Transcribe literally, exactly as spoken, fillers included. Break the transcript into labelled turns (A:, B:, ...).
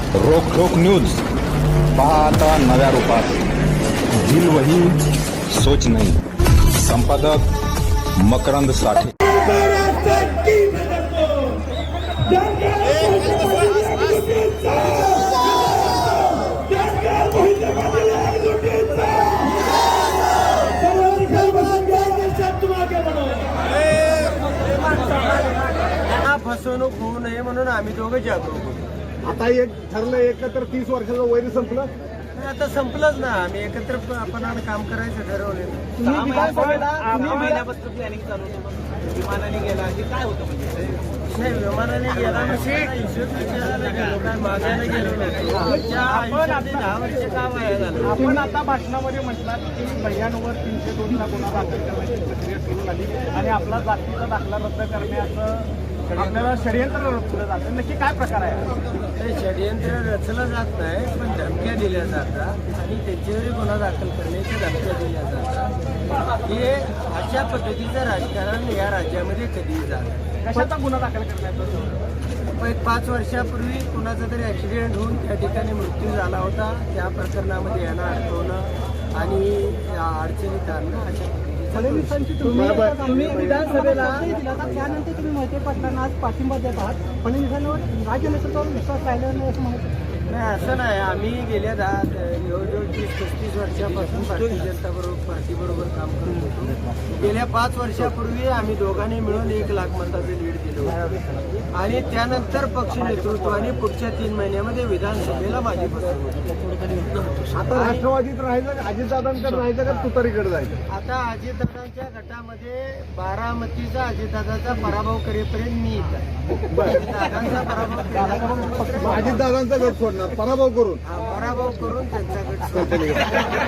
A: रोखोक news पहा आता नव्या रूपात. दिल वही सोच नहीं. संपादक मकरंद साठे.
B: फसवणूक होऊ नये म्हणून आम्ही दोघं जागरूक होतो.
C: आता एक ठरलं एकत्र तीस वर्षाचं वैर संपलं.
B: आता संपलंच ना. आम्ही एकत्र आपण काम करायचं ठरवलं.
D: महिन्यापासून प्लॅनिंग चालू होतं, विमानाने गेला की काय होतं म्हणजे
B: नाही, विमानाने गेला म्हणजे विचारायला गेलो काय मागायला गेलो नाही. आयुष्यातले दहा वर्ष का वाया झालं.
D: आपण आता भाषणामध्ये म्हटलात की महिन्यांवर तीनशे दोनचा गुन्हा दाखल करण्याची प्रक्रिया सुरू झाली आणि आपला जातीचा दाखला रद्द करण्याचं आपल्याला षडयंत्र रचलं जातं. नक्की काय प्रकार आहे?
B: ते षडयंत्र रचलं जात नाही, पण धमक्या दिल्या जातात आणि त्यांच्यावरही गुन्हा दाखल करण्याच्या धमक्या दिल्या जातात. हे अशा पद्धतीचं राजकारण या राज्यामध्ये कधीही झालं.
D: कशाचा गुन्हा दाखल करण्याचं?
B: एक पाच वर्षापूर्वी कुणाचा तरी ॲक्सिडेंट होऊन त्या ठिकाणी मृत्यू झाला होता. त्या प्रकरणामध्ये यांना अडकवणं आणि अडचणीत आणणं अशा
E: फडणवीसांची तुम्ही तुम्ही विधानसभेला त्यानंतर तुम्ही मोहिते पाटलांना आज पाठिंबा देत आहात. फडणवीसांवर राज्य नेतृत्वावर विश्वास राहिला नाही असं म्हणत होते.
B: नाही, असं नाही. आम्ही गेल्या दहा जवळजवळ तीस पस्तीस वर्षापासून भारतीय जनता बरोबर पार्टीबरोबर काम करत होतो. गेल्या पाच वर्षापूर्वी आम्ही दोघांनी मिळून एक लाख मताचं लीड दिलं होतं आणि त्यानंतर पक्ष नेतृत्वाने पुढच्या तीन महिन्यामध्ये विधानसभेला माझी फसवणूक.
C: आता राष्ट्रवादीत राहायचं का अजितदादांकडे राहायचं का तुतारीकडे जायचं?
B: आता अजितदादांच्या गटामध्ये बारामतीचा अजितदादाचा पराभव करेपर्यंत मी इथं आहे. दादांचा पराभव केला.
C: अजितदादांचा गट सोडणार पराभव करून.
B: हा, पराभव करून त्यांचा गट